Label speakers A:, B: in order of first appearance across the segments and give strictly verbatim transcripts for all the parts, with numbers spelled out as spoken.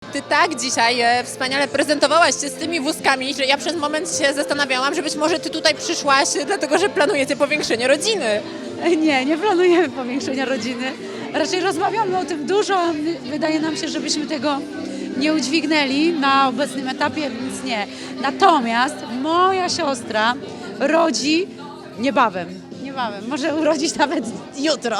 A: Ty tak dzisiaj e, wspaniale prezentowałaś się z tymi wózkami, że ja przez moment się zastanawiałam, że być może ty tutaj przyszłaś dlatego, że planujecie powiększenie rodziny.
B: Nie, nie planujemy powiększenia rodziny. Raczej rozmawiamy o tym dużo. Wydaje nam się, żebyśmy tego nie udźwignęli na obecnym etapie, więc nie. Natomiast moja siostra rodzi niebawem. Niebawem. Może urodzić nawet jutro.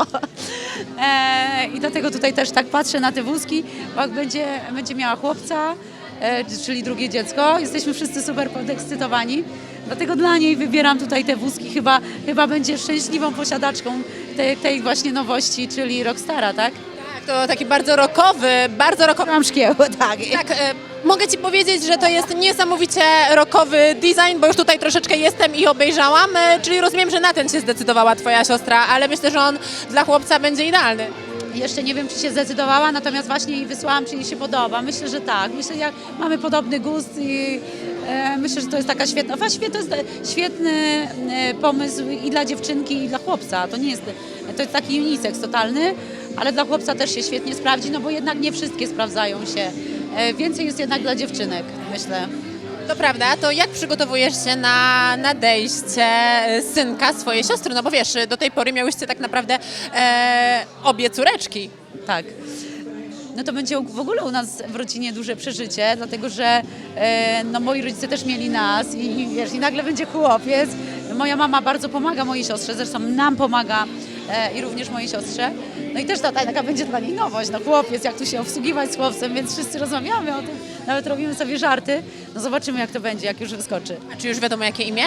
B: E, I dlatego tutaj też tak patrzę na te wózki, bo jak będzie, będzie miała chłopca, e, czyli drugie dziecko. Jesteśmy wszyscy super podekscytowani. Dlatego dla niej wybieram tutaj te wózki. Chyba, chyba będzie szczęśliwą posiadaczką tej, tej właśnie nowości, czyli Rockstara, tak?
A: Tak, to taki bardzo rockowy, bardzo rockowy.
B: Mam szkieł, tak.
A: Tak, e, mogę ci powiedzieć, że to jest niesamowicie rockowy design, bo już tutaj troszeczkę jestem i obejrzałam, e, czyli rozumiem, że na ten się zdecydowała twoja siostra, ale myślę, że on dla chłopca będzie idealny.
B: Jeszcze nie wiem, czy się zdecydowała, natomiast właśnie jej wysłałam, czy jej się podoba. Myślę, że tak. Myślę, że jak mamy podobny gust i e, myślę, że to jest taka świetna, właściwie to jest świetny e, pomysł i dla dziewczynki, i dla chłopca. To nie jest, to jest taki unisex totalny, ale dla chłopca też się świetnie sprawdzi, no bo jednak nie wszystkie sprawdzają się. E, więcej jest jednak dla dziewczynek, myślę.
A: To prawda, to jak przygotowujesz się na nadejście e, synka swojej siostry? No bo wiesz, do tej pory miałyście tak naprawdę e, obie córeczki.
B: Tak. No to będzie w ogóle u nas w rodzinie duże przeżycie, dlatego że e, no, moi rodzice też mieli nas i, i wiesz, i nagle będzie chłopiec. Moja mama bardzo pomaga mojej siostrze, zresztą nam pomaga e, i również mojej siostrze. No i też ta, taka będzie dla niej nowość, no chłopiec, jak tu się obsługiwać z chłopcem, więc wszyscy rozmawiamy o tym, nawet robimy sobie żarty. No zobaczymy, jak to będzie, jak już wyskoczy.
A: A czy już wiadomo jakie imię?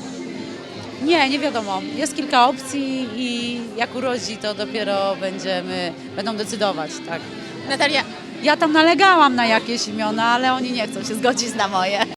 B: Nie, nie wiadomo. Jest kilka opcji i jak urodzi, to dopiero będziemy, będą decydować, tak.
A: Natalia,
B: Ja tam nalegałam na jakieś imiona, ale oni nie chcą się zgodzić na moje.